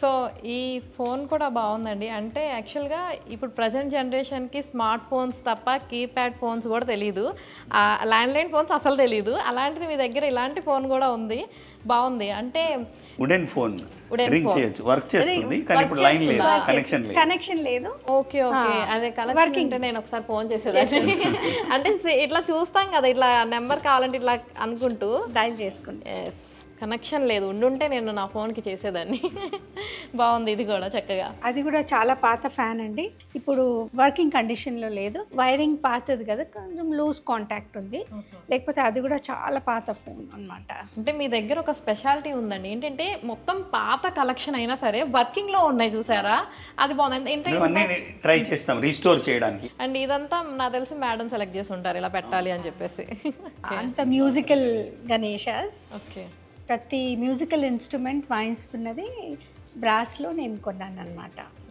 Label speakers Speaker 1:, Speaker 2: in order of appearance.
Speaker 1: So ఈ phone కూడా బాగుందండి. అంటే యాక్చువల్గా ఇప్పుడు ప్రజెంట్ జనరేషన్కి స్మార్ట్ ఫోన్స్ తప్ప కీప్యాడ్ ఫోన్స్ కూడా తెలియదు, ల్యాండ్లైన్ ఫోన్స్ అసలు తెలియదు. అలాంటిది మీ దగ్గర ఇలాంటి ఫోన్ కూడా ఉంది, బాగుంది. అంటే
Speaker 2: wooden phone
Speaker 1: Wooden
Speaker 2: ring
Speaker 1: phone.
Speaker 2: చేయొచ్చు, వర్క్ చేస్తుంది, కానీ
Speaker 1: work
Speaker 2: ఇప్పుడు లైన్ లేదు,
Speaker 1: చేస్తుందా?
Speaker 2: కనెక్షన్ లేదు.
Speaker 1: ఓకే ఓకే, అదే కలెక్షన్ అంటే నేను ఒకసారి ఫోన్ చేసేదాన్ని. అంటే ఇట్లా చూస్తాం కదా, ఇట్లా నెంబర్ కావాలంటే ఇట్లా అనుకుంటూ
Speaker 3: డైల్ చేసుకుంటే
Speaker 1: కనెక్షన్ లేదు, ఉండుంటే నేను నా ఫోన్కి చేసేదాన్ని. బాగుంది ఇది కూడా చక్కగా.
Speaker 3: అది కూడా చాలా పాత ఫ్యాన్ అండి, ఇప్పుడు వర్కింగ్ కండిషన్లో లేదు. వైరింగ్ పాతది కదా, కొంచెం లూజ్ కాంటాక్ట్ ఉంది, లేకపోతే అది కూడా చాలా పాత ఫోన్ అన్నమాట.
Speaker 1: అంటే మీ దగ్గర ఒక స్పెషాలిటీ ఉందండి, ఏంటంటే మొత్తం పాత కలెక్షన్ అయినా సరే వర్కింగ్లో ఉన్నాయి చూసారా, అది బాగుంది.
Speaker 2: మేమన్నీ ట్రై చేస్తాం రీస్టోర్ చేయడానికి.
Speaker 1: అండ్ ఇదంతా నాకు తెలిసి మేడం సెలెక్ట్ చేసి ఉంటారు ఇలా పెట్టాలి అని చెప్పేసి.
Speaker 3: అంత మ్యూజికల్ గణేషాస్,
Speaker 1: ఓకే,
Speaker 3: ప్రతి మ్యూజికల్ ఇన్స్ట్రుమెంట్ వాయిస్తున్నది బ్రాస్లో నేను కొన్నాను అనమాట.